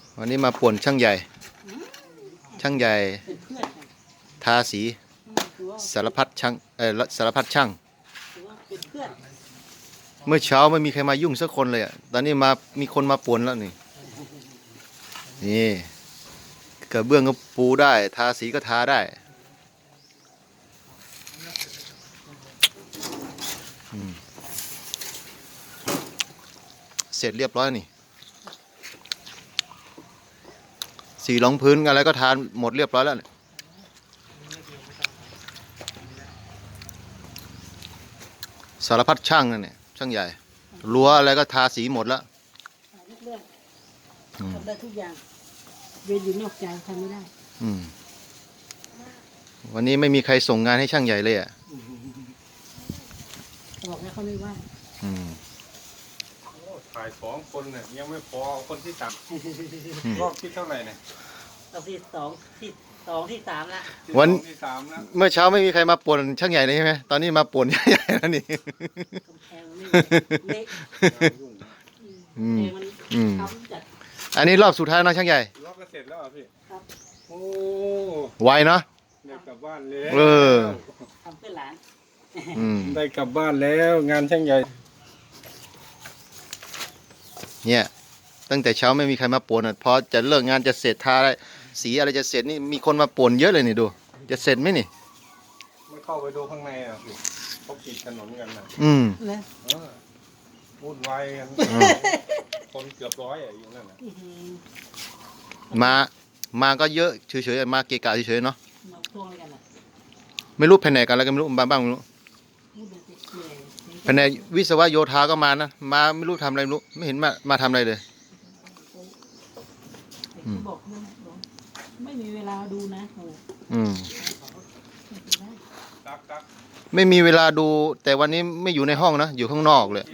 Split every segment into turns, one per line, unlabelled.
วันนี้มาป่วนช่างใหญ่ ช่างใหญ่ทาสีสารพัดช่างสารพัดช่างเมื่อเช้าไม่มีใครมายุ่งสักคนเลยอ่ะตอนนี้มีคนมาป่วนแล้วนี่กระเบื้องก็ปูได้ทาสีก็ทาได้เสร็จเรียบร้อยนี่สีรองพื้นอะไรก็ทานหมดเรียบร้อยแล้วสารพัดช่างนั่นเนี่ยช่างใหญ่รั้วอะไรก็ทาสีหมดแล้ว
ทำได้ทุกอย่างเวรอยู่นอกใจทำไม่ได้
วันนี้ไม่มีใครส่งงานให้ช่างใหญ่เลยอ่ะ
บอกแล้วเขาไม่ว่า
ถ่าย2 คนเนี่ยยังไม่พอคนที่3รอบที่เท่าไหร่เนี่ย
รอบที่3ละ
วัน
ที่3แล้ว
เมื่อเช้าไม่มีใครมาป่วนช่างใหญ่เลยใช่ไหมตอนนี้มาป่วนช่างใหญ่แล้วนี่
กำแพงเละ
อันนี้รอบสุดท้ายนะช่างใหญ่
รอบก็เสร็จแล้วพี่
ครับ
โอ้
ไวเนาะ
ได้กลับบ้านแล้ว
ทำเพื่อหลาน
ได้กลับบ้านแล้วงานช่างใหญ่
เนี่ยตั้งแต่เช้าไม่มีใครมาป่วนพอจะเลิกงานจะเสร็จทาสีอะไรจะเสร็จนี่มีคนมาป่วนเยอะเลยนี่ดูจะเสร็จไหมนี่
ไม่เข้าไปดูข้างในอ่ะพี่เขาปิดถนนกันนะวุ่นวายกันคนเกือบ100อยู่นั่นนะ
มาก็เยอะเฉยๆมาเกะกะเฉยๆเนาะไม่รู้แผนกกันแล้วก็ไม่รู้บ้างไม่รู้แผนกวิศวะโยธาก็มานะมาไม่รู้ทำอะไรไม่รู้ไม่เห็นมาทำอะไรเลย
บอกไม่มีเวลาดูนะ
ไม่มีเวลาดูแต่วันนี้ไม่อยู่ในห้องนะอยู่ข้างนอกเลย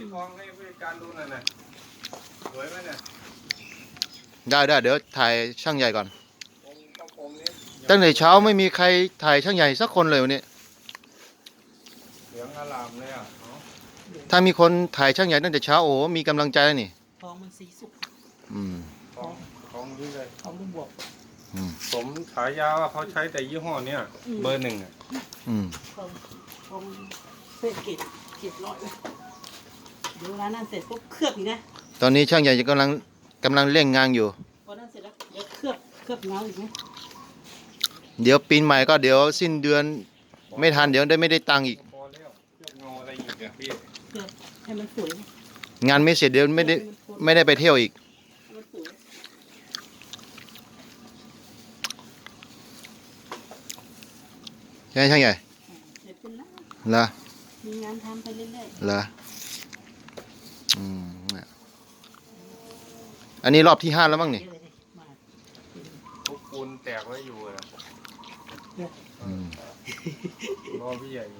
ได้เดี๋ยวถ่ายช่างใหญ่ก่อนตั้งแต่เช้าไม่มีใครถ่ายช่างใหญ่สักคนเลยวันนี้
เหลืองอลามเลยอ่ะ
ถ้ามีคนถ่ายช่างใหญ่ตั้งแต่เช้าโอ้มีกำลังใจแล้วนี่
ทองมันสีสุก
ทองนี่เลย
ทองลูกบวก
สมฉายาว่าเขาใช้แต่ยี่ห้อเนี้ยเบอร์ 1อ่ะ
ทองเก็บร้อยเดี๋ยวร้านนั้นเสร็จปุ๊บเคลือบอีกนะ
ตอนนี้ช่างใหญ่กำลังเร่งงานอยู่
พอนั้นเสร็จแล้วเดี๋ยวเคลือบเงาอีกไหม
เดี๋ยวปีนใหม่ก็เดี๋ยวสิ้นเดือนไม่ทันเดี๋ยวไม่ได้ตังค์อีก
พอแล้วเคลือบเงาอะไรอีกอ่ะพี่
เคลือบให้มันสวย
งานไม่เสร็จเดี๋ยวไม่ได้ไปเที่ยวอีกใช่ช่างใหญ่
เสร็จเป็นแล้ว
เหรอ
มีงานทำไปเรื่อย
ๆเหรออันนี้รอบที่5แล้วมั้งนี่
ทุกปูนแตกไว้อยู่อ่ะรอพี่ใหญ่อยู่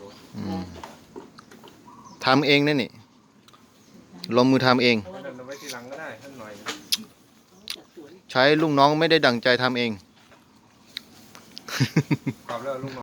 ทำเองนั่นนี่ลงมือทำเอง
ไว้ทีหลังก็ได้ท่านหน่อย
ใช้ลูกน้องไม่ได้ดั่งใจทำเอง
กลับแล้วลูก